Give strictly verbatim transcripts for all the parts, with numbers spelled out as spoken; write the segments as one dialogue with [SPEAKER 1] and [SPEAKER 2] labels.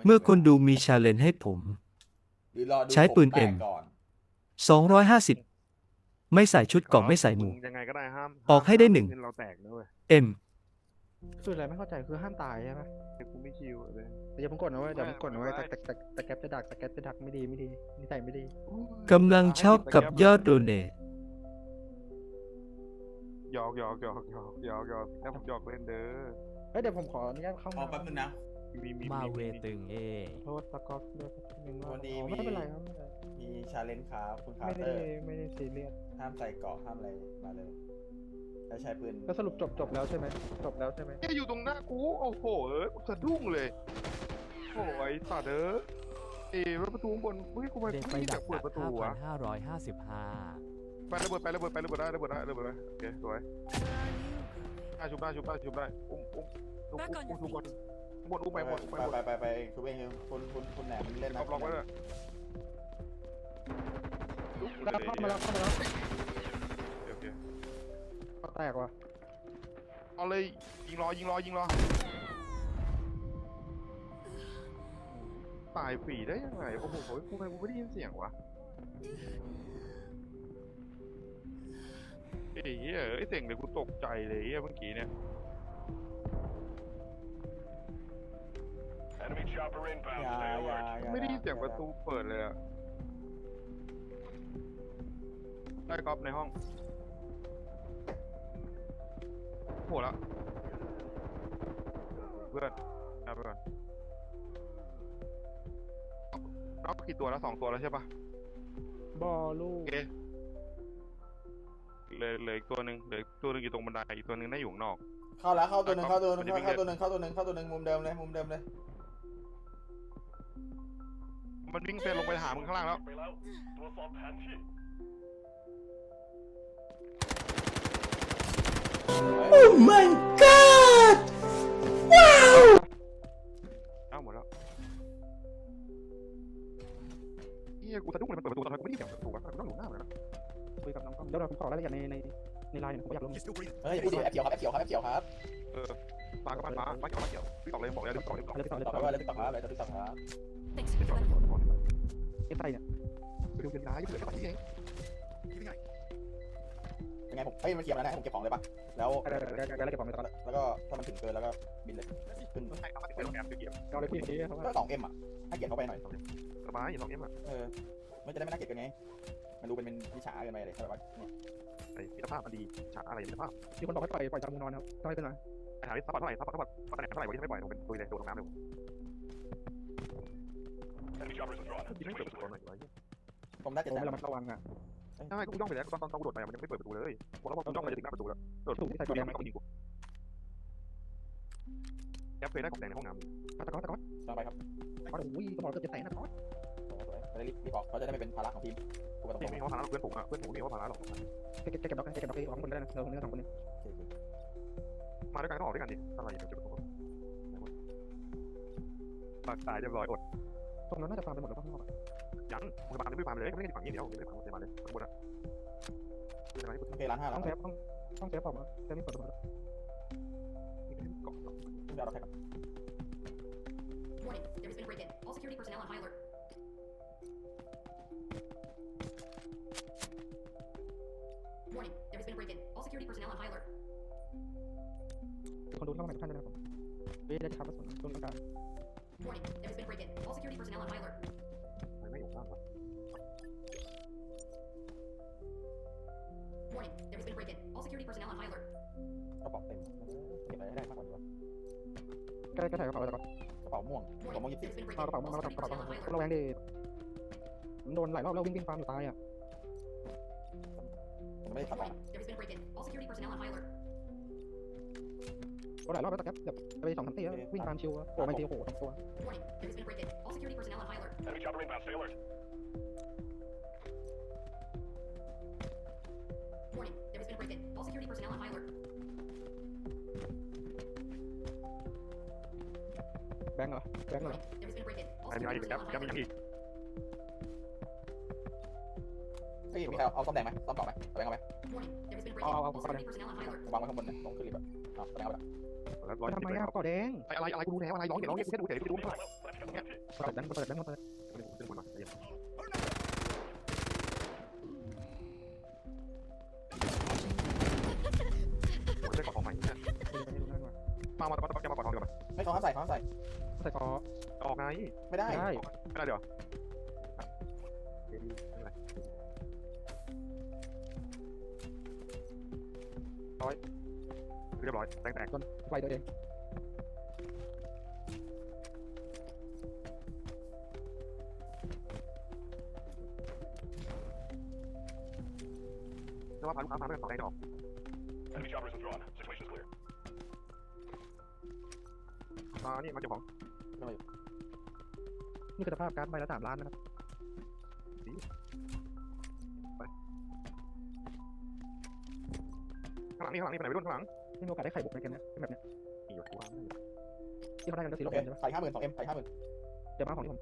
[SPEAKER 1] เมื่อคนดูมีชาเลนจ์ให้ผม
[SPEAKER 2] หรือรอดู
[SPEAKER 1] ใช้ปืน
[SPEAKER 2] ผมแต
[SPEAKER 1] M
[SPEAKER 2] กก่อน
[SPEAKER 1] สองร้อยห้าสิบไม่ใส่ชุดเกราะไม่ใส่หมวก
[SPEAKER 3] ยังไงก็ได้ห้าม
[SPEAKER 1] ออกให้ได้หนึ่ง
[SPEAKER 3] เงินเราแตกนะเว้ย
[SPEAKER 1] M
[SPEAKER 4] คืออะไรไม่เข้าใจคือห้ามตายใช่ไหม
[SPEAKER 3] ไอ้กูไม่คิวเลย
[SPEAKER 4] แต่อย่าเพิ่งกดนะเว้ยเดี๋ยวเพิ่งกดนะเว้ย
[SPEAKER 3] ไม่
[SPEAKER 4] แต่แต่แต่แต่แก๊ปจะดักแต่แก๊ปจะดักไม่ดีไม่ดีนิสัยไม่ดี
[SPEAKER 1] กำลังช็อกกับยอดโดเนท
[SPEAKER 3] หยอกหยอกหยอกหยอกหยอกหยอกแล้วผมหยอกเล่นเด้อ
[SPEAKER 4] เฮ้ยเดี๋ยวผมขออนุญาตเข้า
[SPEAKER 2] อ๋อแป๊บนึงนะ
[SPEAKER 3] มีมี
[SPEAKER 5] มาเว
[SPEAKER 3] มี
[SPEAKER 5] ตึงเอ
[SPEAKER 4] โทษตะกอบด้วยนึงว่า
[SPEAKER 2] วันนี้
[SPEAKER 4] อ๋อ
[SPEAKER 2] มี
[SPEAKER 4] ไม่เป็นไรครับไม่เป็นไร
[SPEAKER 2] มีชาเลนจ์ครับคุณคา
[SPEAKER 4] ไม่
[SPEAKER 2] ร์เต
[SPEAKER 4] ได้
[SPEAKER 2] อร์
[SPEAKER 4] ไม่ได้ซีเรียส
[SPEAKER 2] ห้ามใส่เกราะห้ามอะไรมาเลยแล้วใช้ปืน
[SPEAKER 4] แล้วสรุปจบจบแล้วใช่ไหมจบแล้วใช่ไหม
[SPEAKER 3] แค่อยู่ตรงหน้ากูโอ้โหเอ้ยกูสะดุ้งเลยโอ้ยสัตว์เด้อเอ้ยแล้วประตูข้างบนเฮ้ยกูไม่
[SPEAKER 5] เด็กไป
[SPEAKER 3] ไม่ได้
[SPEAKER 5] ดัก
[SPEAKER 3] เปิดประตู
[SPEAKER 5] ห้าพั
[SPEAKER 3] วะ
[SPEAKER 5] นห้าร้อยห้าสิบห้า
[SPEAKER 3] ไประเบิดไประเบิดไประเบิดได้ระเบิดได้ระเบิดได้โอเคสวยได้ชุบได้ชุบได้ชุบได้อุ้มอุ้มอุ้มอุ้มอุ้มทุกคนบนอุ้มไปบนอุ้ม
[SPEAKER 2] ไป
[SPEAKER 3] ไปบน
[SPEAKER 2] ไปไปไปคุณเองคุณคุณคุณแหนมเล่น
[SPEAKER 3] ล็
[SPEAKER 2] นะ
[SPEAKER 3] อกล็อกไว้เลยลุก
[SPEAKER 4] แล้วเข้ามาแล้วเข้ามาแล้ว
[SPEAKER 3] โอเค
[SPEAKER 4] ก็แตกว่ะ
[SPEAKER 3] เอาเลยยิงรอยิงรอยิงรอตายฟรีได้ยังไงโอ้โหกูไม่กูไม่ได้ยินเสียงวะเอ้ยไอ้เสียงเลยกูตกใจเลยเมื่อกี้เนี่ย
[SPEAKER 6] Enemy chopper inbound.
[SPEAKER 2] อย่า
[SPEAKER 6] Stay
[SPEAKER 2] อย่า
[SPEAKER 6] alert.
[SPEAKER 2] อย่า
[SPEAKER 3] ไม่ได้ยินเสียงประตูเปิดเลยอะได้ก๊อฟในห้องโหละเพื่อนเอาไปก่อนน็อกกี่ตัวแล้วสองตัวแล้วใช่ปะ
[SPEAKER 4] บอลลู
[SPEAKER 3] โอก เคเหลยเหลืออีกตัวหนึ่งเหลืออีกตัวหนึ่งอยู่ตรงบันไดอีกตัวหนึ่งน่าอยู่ข้างนอก
[SPEAKER 2] เข้าแล้วเข้าตัวหนึ่งเข้าตัวหนึ่งเข้าตัวหนึ่งเข้าตัวหนึ่งเข้าตัวหนึ่งมุมเดิมเลยมุมเดิมเลย
[SPEAKER 3] มันวิ่งเซนลงไปหามึงข้างล่างแล้ว
[SPEAKER 6] ไปแล้วตรวจสอบแผนที่
[SPEAKER 1] Oh my god
[SPEAKER 3] เอ้าหมดแล้วเฮียกูสะดุ้งเลยมันเปิดประตูตอนนั้นกูไม่ได้ยินเสียงประตูวะกูต้องอยู่หน้ามันนะ
[SPEAKER 4] คุยกับน้องกล้องเดี๋ยวเราผมขอรายละเอียดในในในไลน์หน่อยผมอยากรู้
[SPEAKER 2] เฮ้ยอย่าพูดดิแอปเขียวครับแอปเขียวครับแอปเขียวครับ
[SPEAKER 3] เออมาก็มามามาเกี่ยวมาเกี่ยวพี่ตอบเลยบอกเลยพี่ตอบเลยบอก
[SPEAKER 4] อะไรไปต่อเลย
[SPEAKER 2] ต่อ
[SPEAKER 4] ต่อ
[SPEAKER 2] ไปว่าอะไรติ๊กต็อกครับอะไรติ๊กต็อกครับ
[SPEAKER 3] พี่ตอบเลยบอกบอก
[SPEAKER 4] เอฟไอเนี่ย
[SPEAKER 3] ไปดูเงินร้ายยังเหลือแค่ตอนนี้เอง
[SPEAKER 2] ยังไงผมเฮ้ยมันเคลียร์มาแล้วนะให้ผมเก็บของเลยปะแล้ว
[SPEAKER 4] อะไรอะไรอะไรอะไรเก็บของไปต่อ
[SPEAKER 2] แล้วก็ถ้ามันถึงเกินแล้วก็บินเลยขึ้น
[SPEAKER 3] ใช่ครับไปโรงแรมเกี่ยว
[SPEAKER 4] เอาเลยพี่นี้เขาว่า
[SPEAKER 2] ก็สองเอ็มอ่ะให้เกียรติเข้าไปหน่อย
[SPEAKER 3] สบายอย่างสองเอ็มอ่ะ
[SPEAKER 2] เออไม่จะได้ไม่น่าเกลียดกันไงมันดูเป็นเป็นวิชาเกินไปเลยแบบว่าเนี่ย
[SPEAKER 3] ไอ้มิตรภาพมันดีฉากอะไรมิตรภาพ
[SPEAKER 4] มีคนบอกให้ปล่อยปล่อยจามูนอนครับต้องให้เป็นไร
[SPEAKER 3] ไอ้หาที่ซัพพอร์ตเท่าไหร่ซัพพอร์ตเท่าไหร่ซัพพอร์ตเท่าไหร่วันนี้ไม่ปล่อยลงเป็นตุยเลยโดนน้ำเลย
[SPEAKER 6] Enemy choppers withdrawn.
[SPEAKER 3] ยิงไม่เปิดประตูหน่อย
[SPEAKER 2] ผมน่าจะ
[SPEAKER 4] โอ้
[SPEAKER 2] แซ
[SPEAKER 4] ไม่
[SPEAKER 2] ม
[SPEAKER 4] ระมัดระวังอ่ะ
[SPEAKER 3] ใช่กูย่องไปแล้วตอนตอนกูโดดไปมันยังไม่เปิดประตูเลยบอกแล้วว่ากูย่องไปจะถึงหน้าประตูแล้วโดดถูกที่ใส่กระแดงไม่ต้องยิงกูแอปเคยได้กระแดงในห้องน้ำ
[SPEAKER 4] ตะก้อตะก้อ
[SPEAKER 2] ต่อไปครับ
[SPEAKER 4] ตะก้อโอ้ยสมองเกือบจะแตกนะตะก้อ
[SPEAKER 2] จะได้รีบรีบออกเขาจะได้ไม่เป็นภาระของทีมกูก็ต้อง
[SPEAKER 3] นี่ไม่เขาพาราเพื่อนผมอ่ะเพื่อนผมไม่เขาพาราหรอก
[SPEAKER 4] เก็บเก็บเก็บดอกเก็บดอกออกคนได้นะเราคนนี้สองคนนี้
[SPEAKER 3] มาด้วยกันก็ออกด้วยกันดิอะไรอย่างเงี้ยจุดประตูปากตายเรียบร้อยอด
[SPEAKER 4] ตรงนั้นน่าจะฟาร์มไปหมดแล้วป่ะข้างนอก
[SPEAKER 3] ยังมึงมาไม่ฟาร์มเลยไม่ได้ฝั่งนี้เดียวไม่ได้ฝั่งเซมาเลยทั้งหมดอ่ะเซมาที่กู
[SPEAKER 2] โอเคร้านห้า
[SPEAKER 4] ต้
[SPEAKER 2] แล้
[SPEAKER 4] อ
[SPEAKER 2] ว
[SPEAKER 4] งเซฟต้องต้องเซฟออกมาเซฟนี่เปิดมา
[SPEAKER 3] เกาะ
[SPEAKER 2] เดี๋ยวเราแท็กกัน
[SPEAKER 7] Warning, there has been a break-in. All security personnel on high alert. Warning, there has been a break-in. All security personnel on high alert.
[SPEAKER 4] คนดูเข้ามาในท่านด้วยนะครับเว้ยได้จะทำกระสุนต้นกลาง
[SPEAKER 7] Warning, there has been a break-in. All security personnel on high alert.
[SPEAKER 3] ไม่อยู่ข้างวะ
[SPEAKER 7] Warning, there has been a break-in. All security personnel on high alert.
[SPEAKER 2] กระเป๋าเต็มเก็บอะไรให้ได้มากกว่านี้วะ
[SPEAKER 4] ใกล้ใกล้ถ่ายกระเป๋าเลยตะก้อก
[SPEAKER 2] ระเป๋าม่วงกระเป๋าม่วง
[SPEAKER 7] Warning,
[SPEAKER 2] ยี่สิบ
[SPEAKER 7] there has been a
[SPEAKER 4] เอา
[SPEAKER 7] break-in.
[SPEAKER 4] กระเป๋า
[SPEAKER 7] All
[SPEAKER 4] มากระ
[SPEAKER 7] security
[SPEAKER 4] เป๋า
[SPEAKER 7] personnel on high
[SPEAKER 4] ระ
[SPEAKER 7] alert.
[SPEAKER 4] แวงดิผมโดนหลายรอบแล้ววิ่งวิ่งฟาร์มอยู่ตายอ่ะ
[SPEAKER 2] ผมไม่ได้ขับ
[SPEAKER 7] Warning, there has been a break-in. All security personnel on high alert.
[SPEAKER 4] โดนหลายรอบแล้วตะแกบแบบไปสองสามตีแล้ววิ่งฟาร์มชิวโอ้ไม่ตีโอ้โหสองตัว
[SPEAKER 7] Warning, there has been a break-in. All security personnel on high alert.
[SPEAKER 6] Enemy chopper inbound. Stay alert.
[SPEAKER 7] Warning, there has been a break-in. All security personnel on high alert.
[SPEAKER 4] แบงค์เหรอแบงค์เหรอ
[SPEAKER 7] Warning, there has been a break-in. All
[SPEAKER 3] ไอ้มีอะไร
[SPEAKER 7] security
[SPEAKER 3] อีกครับ
[SPEAKER 7] personnel on
[SPEAKER 3] ยัง
[SPEAKER 7] high
[SPEAKER 3] มี
[SPEAKER 7] alert.
[SPEAKER 3] ยังอีก
[SPEAKER 2] เฮ้ยมีใครเอาซ่อมแดงไหมซ่อมเกาะไหมแบงค์เอาไหม
[SPEAKER 7] Warning, there has been a
[SPEAKER 4] Oh,
[SPEAKER 7] break-in.
[SPEAKER 4] oh,
[SPEAKER 7] All
[SPEAKER 4] oh,
[SPEAKER 7] security personnel on high alert.
[SPEAKER 2] วางไว้ข้างบนเนี่ยลงขึ้นลิฟต์อ่ะเอาแบงค์เอาไปละ
[SPEAKER 3] แล้วร้อย
[SPEAKER 4] ทำ
[SPEAKER 3] สิบ
[SPEAKER 4] ไม
[SPEAKER 3] เลย
[SPEAKER 4] อ่ะ
[SPEAKER 3] ครับ
[SPEAKER 4] ก่อแดง
[SPEAKER 3] อะไรอะไรกูรู้แล้วอะไรร้องอย่าร้องอย่ากูแค่ดูเฉยกูดูไม่ได้
[SPEAKER 6] Let's Pack on my feet.
[SPEAKER 4] เปิดแบงค์เปิดแบงค์เปิด
[SPEAKER 3] ไม่ได้ขึ้นบนมาเดี๋ยวผมได้กอดทองใหม่เนี่ยมามาตะกอตะกอตะกอดทองเดียวมา
[SPEAKER 2] ไม่เขาห้ามใส่เขาห้ามใส่
[SPEAKER 4] ใส่คอ
[SPEAKER 3] ออกไง
[SPEAKER 2] ไม่ได้
[SPEAKER 4] ได้
[SPEAKER 3] ไม่ได้เดี๋ยวร้อยเรียบร้อยแตกแตก
[SPEAKER 4] จนไฟตัวเอง
[SPEAKER 3] แล้วว่าพาลูกค้าพาไปต่อได้ดอก
[SPEAKER 6] Enemy choppers withdrawn. Situation's clear.
[SPEAKER 3] มานี่มาเก็บของ
[SPEAKER 4] นี่คือสภาพการ์ดใบละสามล้านนะครับ
[SPEAKER 3] ข้างหลังนี่ข้างหลังนี่ไปไหนไปรุ่นข้างหลัง
[SPEAKER 4] ไม่มีโอกาสได้ไข่บุกในเกมนี้แบบเนี้ย
[SPEAKER 3] นี่อยู่ตัว
[SPEAKER 4] ที่เขาได้กันก็สี
[SPEAKER 2] โอ
[SPEAKER 4] โล
[SPEAKER 2] เค
[SPEAKER 4] กใช่ปะ
[SPEAKER 2] ใส่ห้าหมื่นสองเอ็มใส่ห้าหมื่น
[SPEAKER 4] เดี๋ยวมาของที่ผม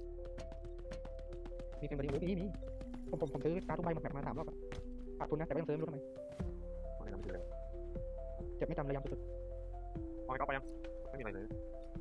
[SPEAKER 4] มีเกมบอดี้มีมีผมผมผมซื้อการ์ดทุกใบหมดแบบมาสามรอบขาดทุนนะแต่ก็ยังซื้อไม่รู้ทำไม
[SPEAKER 3] ไม่ทำไม่เลย
[SPEAKER 4] เจ็บไม่จำระยำสุด
[SPEAKER 3] พอไปก็ไปยังไม่มีอะไรเลย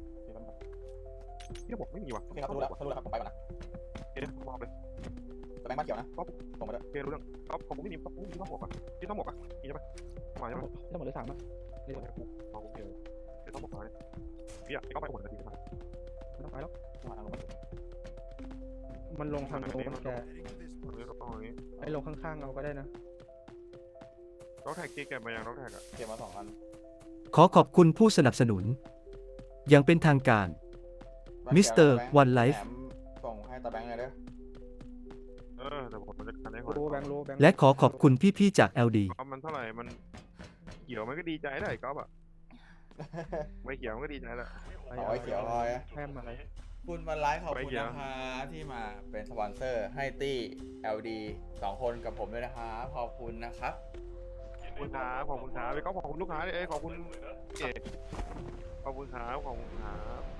[SPEAKER 3] ที่ระบบไม่มีว่ะ
[SPEAKER 2] โอเคครับรู้แล้วรู้แล้วครับผมไปก่อนนะ
[SPEAKER 3] เดี๋ยวมองเลย
[SPEAKER 2] แต่แบงค์บ้านเขียวนะส่งมาด้วย
[SPEAKER 3] เกรู้เรื่องก็ผมไม่มีผมไม่มีต้องหมวกอ่ะที่ต้องหมวกอ่ะมีใช่ไหมมา
[SPEAKER 4] ๆ
[SPEAKER 3] ใช่ไหม
[SPEAKER 4] เรื่องหมดเลยสามอ่ะ
[SPEAKER 3] เดี๋ยวกูมองผมเจอเดี๋ยวต้องหมวกมาเนี่ยพี่อ่ะก็ไปหมดนาทีมา
[SPEAKER 4] ไม่ต้องไปแล้ว
[SPEAKER 2] มาทางลงมา
[SPEAKER 4] มันลงทางโน้นแก
[SPEAKER 3] ตรงนี้ก็ต้องอย่างนี้
[SPEAKER 4] ไอ้ลงข้างๆเอาก็ได้นะ
[SPEAKER 3] รถแท็กเก็บมายังรถแท็กอ่ะ
[SPEAKER 2] เก็บมาสองอัน
[SPEAKER 1] ขอขอบคุณผู้สนับสนุน อย่างเป็นทางการ มิสเตอร์ One Life
[SPEAKER 2] ส่งให้ตาแบงค์เลยเด้อ
[SPEAKER 3] เออแต่ผมจะกันได้ก่อน
[SPEAKER 4] โลแบงค์โลแบงค์
[SPEAKER 1] และขอขอบคุณพี่ๆจาก แอล ดี
[SPEAKER 3] ก็มันเท่าไหร่มันเขียวมันก็ดีใจได้ก๊อฟอ่ะไม่เขียวมันก็ดีใจแล้ว
[SPEAKER 2] ขอไอ้เขียวพอย
[SPEAKER 4] แพมอะไร
[SPEAKER 2] คุณวันไลฟ์ขอบคุณนะคะที่มาเป็นสปอนเซอร์ให้ตี้ แอล ดี สองคนกับผมด้วยนะครับขอบคุณนะครับ
[SPEAKER 3] ขอบคุณครับขอบคุณครับไปก๊อฟขอบคุณลูกค้าเอ้ยขอบคุณเก๋ขอบคุณครับขอบคุณครับ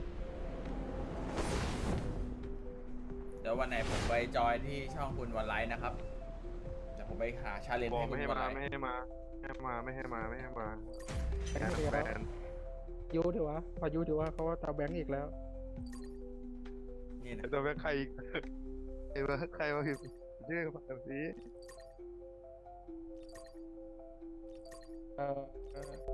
[SPEAKER 2] เดี๋ยววันไหนผมไปจอยที่ช่องคุณวันไลฟ์นะครับเดี๋ยวผมไปหาชาเลนจ์
[SPEAKER 3] บอก
[SPEAKER 2] ให้คุ
[SPEAKER 3] ไม่
[SPEAKER 2] ณ
[SPEAKER 3] ให้
[SPEAKER 2] วัน
[SPEAKER 3] มา
[SPEAKER 2] ไลฟ์
[SPEAKER 3] ไม่ให้มาไม่ให้มาไม่ให้มาไม่ให้มา
[SPEAKER 4] แบงค์เดียว
[SPEAKER 3] แฟน
[SPEAKER 4] ยูดีวะพอยูดีวะเขาว่าตาแบงค์อีกแล้ว
[SPEAKER 2] นี่นะ
[SPEAKER 3] ตัวแม่ใครอีกใครมาใครมาพิมพ์ชื่อแบบนี้
[SPEAKER 4] เอ่อ